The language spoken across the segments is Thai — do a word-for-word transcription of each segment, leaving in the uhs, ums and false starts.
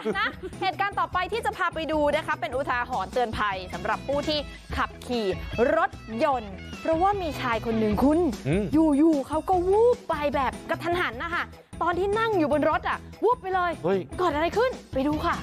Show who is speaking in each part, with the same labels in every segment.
Speaker 1: นะเหตุการณ์ต่อไปที่จะพาไปดูนะคะเป็นอุทาหรณ์เตือนภัยสำหรับผู้ที่ขับขี่รถยนต์ เพราะว่ามีชายคนหนึ่งคุณอยู่ๆเขาก็วูบไปแบบกระทันหันนะคะตอนที่นั่งอยู่บนรถอ่ะวูบไปเลยเกิดอะไรขึ้นไปดูค่ะ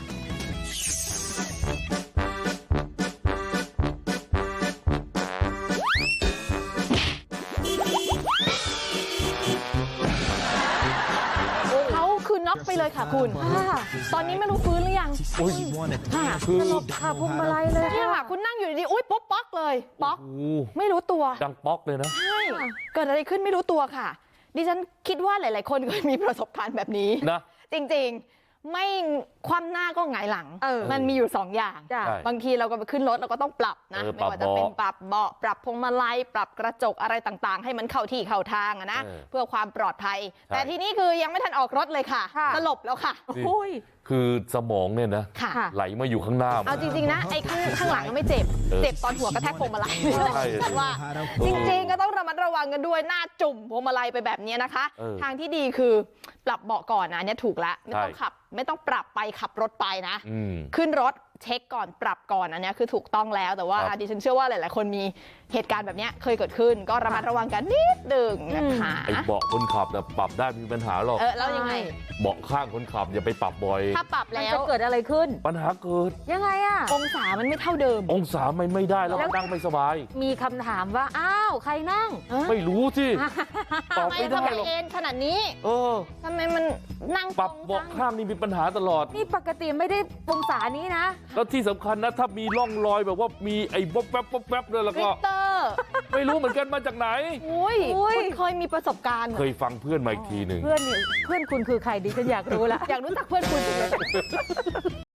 Speaker 1: น็อกไปเลยค่ะคุณตอนนี้ไม่รู้ฟื้นหรือยังค่ะคือสลบค่ะพวงมาลัยเลยเนี่ยค่ะคุณนั่งอยู่ดีๆอุ้ยป๊อกป๊อกเลยป๊อกไม่รู้ตัว
Speaker 2: ดังป๊อกเลยนะ
Speaker 1: ใช่เกิดอะไรขึ้นไม่รู้ตัวค่ะดิฉันคิดว่าหลายๆคนเคยมีประสบการณ์แบบนี้นะจริงๆไม่คว่ำหน้าก็หงายหลังมันมีอยู่สองอย่างบางทีเราก็ไปขึ้นรถเราก็ต้องปรับนะไม่ว่าจะเป็นปรับเบาะปรับพวงมาลัยปรับกระจกอะไรต่างๆให้มันเข้าที่เข้าทางนะเพื่อความปลอดภัยแต่ทีนี้คือยังไม่ทันออกรถเลยค่ะสลบแล้วค่ะ
Speaker 2: คือสมองเนี่ยนะไหลมาอยู่ข้างหน้า
Speaker 1: เอาจริงๆนะไอ้ข้างข้างหลังก็ไม่เจ็บเจ็บตอนหัวกระแทกพวงมาลัยฉันว่าจริงๆก็ต้องระมัดระวังกันด้วยหน้าจุ่มพวงมาลัยไปแบบนี้นะคะทางที่ดีคือปรับเบาะก่อนนะเนี่ยถูกแล้วไม่ต้องขับไม่ต้องปรับไปขับรถไปนะขึ้นรถเช็คก่อนปรับก่อนอันนี้คือถูกต้องแล้วแต่ว่าดิฉันเชื่อว่าหลายๆคนมีเหตุการณ์แบบนี้เคยเกิดขึ้นก็ระมัดระวังกันนิดหนึ่งนะคะ
Speaker 2: ไอ้เบาะคนขับนะปรับได้มีปัญหาหรอก
Speaker 1: เออแล้วยังไง
Speaker 2: เบาะข้างคนขับอย่าไปปรับบ่อย
Speaker 1: ถ้าปรับแล้ว
Speaker 3: จะเกิดอะไรขึ้น
Speaker 2: ปัญหาเกิด
Speaker 3: ยังไงอะ
Speaker 1: องศามันไม่เท่าเดิม
Speaker 2: องศาไม่ไม่ได้แล้วนั่งไม่สบาย
Speaker 3: มีคำถามว่าอ้าวใครนั่ง
Speaker 2: ไม่รู้สิ
Speaker 1: ตอบไม่ได้หรอกเอ็นขนาดนี้
Speaker 2: เออ
Speaker 1: ทำไมมันนั่ง
Speaker 2: ปรับเบาะข้างนี่มีปัญหาตลอด
Speaker 3: นี่ปกติไม่ได้องศานี้นะ
Speaker 2: แล้วที่สำคัญนะถ้ามีร่องรอยแบบว่ามีไอ้บ๊อบแป๊บบ๊อบแป๊บเนี่ยแล้วก็ไม่รู้เหมือนกันมาจากไหน
Speaker 1: อุ้ยคุณเคยมีประสบการณ์
Speaker 2: เคยฟังเพื่อนมาอีกทีหนึ่ง
Speaker 3: เพื่อนเพื่อนคุณคือใครดิฉันอยากรู้ละ
Speaker 1: อยากรู้จักเพื่อนคุณจริง